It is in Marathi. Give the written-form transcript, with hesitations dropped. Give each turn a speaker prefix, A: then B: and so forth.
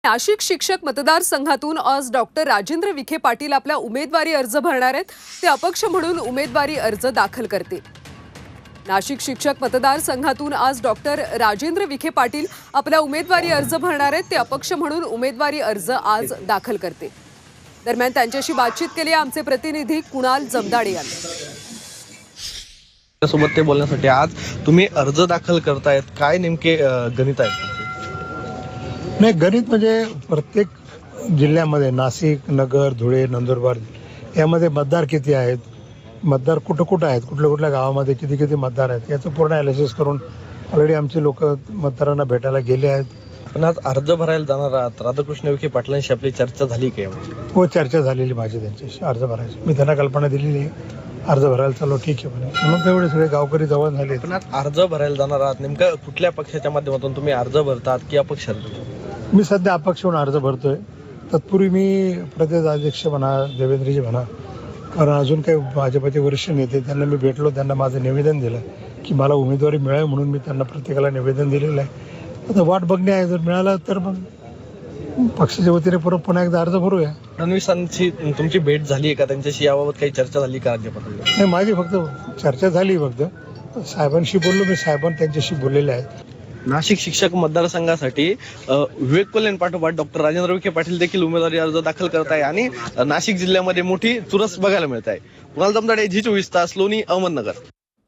A: नाशिक शिक्षक मतदारसंघातून आज डॉक्टर राजेंद्र विखे पाटील आपला उमेदवारी अर्ज भरणार आहेत। ते अपक्ष म्हणून उमेदवारी अर्ज दाखल करतील। नाशिक शिक्षक मतदारसंघातून आज डॉक्टर राजेंद्र विखे पाटील आपला उमेदवारी अर्ज भरणार आहेत। ते अपक्ष म्हणून उमेदवारी अर्ज आज दाखल करतील। दरम्यान त्यांच्याशी बातचीत केली आमचे प्रतिनिधी कुणाल जमदाडे यांनी।
B: सोबत ते बोलण्यासाठी आज तुम्ही अर्ज दाखल करतायत, काय नेमके गणित आहे?
C: नाही, गणित म्हणजे प्रत्येक जिल्ह्यामध्ये नाशिक, नगर, धुळे, नंदुरबार यामध्ये मतदार किती आहेत, मतदार कुठं कुठं आहेत, कुठल्या कुठल्या गावामध्ये किती किती मतदार आहेत याचं पूर्ण ॲनालिसिस करून ऑलरेडी आमचे लोक मतदारांना भेटायला गेले आहेत।
B: पण आज अर्ज भरायला जाणार आहात, राधाकृष्ण विखे पाटलांशी आपली चर्चा झाली काय?
C: हो, चर्चा झालेली माझी त्यांच्याशी अर्ज भरायची। मी त्यांना कल्पना दिलेली आहे, अर्ज भरायला चालू, ठीक आहे म्हणे, म्हणून तेवढे सगळे गावकरी जवळ झाले।
B: पण आज अर्ज भरायला जाणार आहात, नेमकं कुठल्या पक्षाच्या माध्यमातून तुम्ही अर्ज भरतात की अपक्ष?
C: मी सध्या अपक्ष होऊन अर्ज भरतोय। तत्पूर्वी मी प्रदेश अध्यक्ष म्हणा, देवेंद्रजी म्हणा, कारण अजून काही भाजपचे वरिष्ठ नेते त्यांना मी भेटलो, त्यांना माझं निवेदन दिलं की मला उमेदवारी मिळावी, म्हणून मी त्यांना प्रत्येकाला निवेदन दिलेलं आहे। आता वाट बघणे आहे, जर मिळालं तर मग पक्षाच्या वतीने पुन्हा एकदा अर्ज भरूया।
B: फडणवीसांची तुमची भेट झाली आहे का? त्यांच्याशी याबाबत काही चर्चा झाली का राज्यपाल?
C: नाही, माझी फक्त चर्चा झाली, फक्त साहेबांशी बोललो मी, साहेबांनी त्यांच्याशी बोललेले आहेत।
B: नाशिक शिक्षक मतदारसंघासाठी विवेक कोल्हे पाठोपाठ डॉक्टर राजेंद्र विखे पाटील देखील उमेदवारी अर्ज दाखल करत आहे आणि नाशिक जिल्ह्यामध्ये मोठी चुरस बघायला मिळत आहे। कुणाल जमदाडे, झी 24 तास, लोणी, अहमदनगर।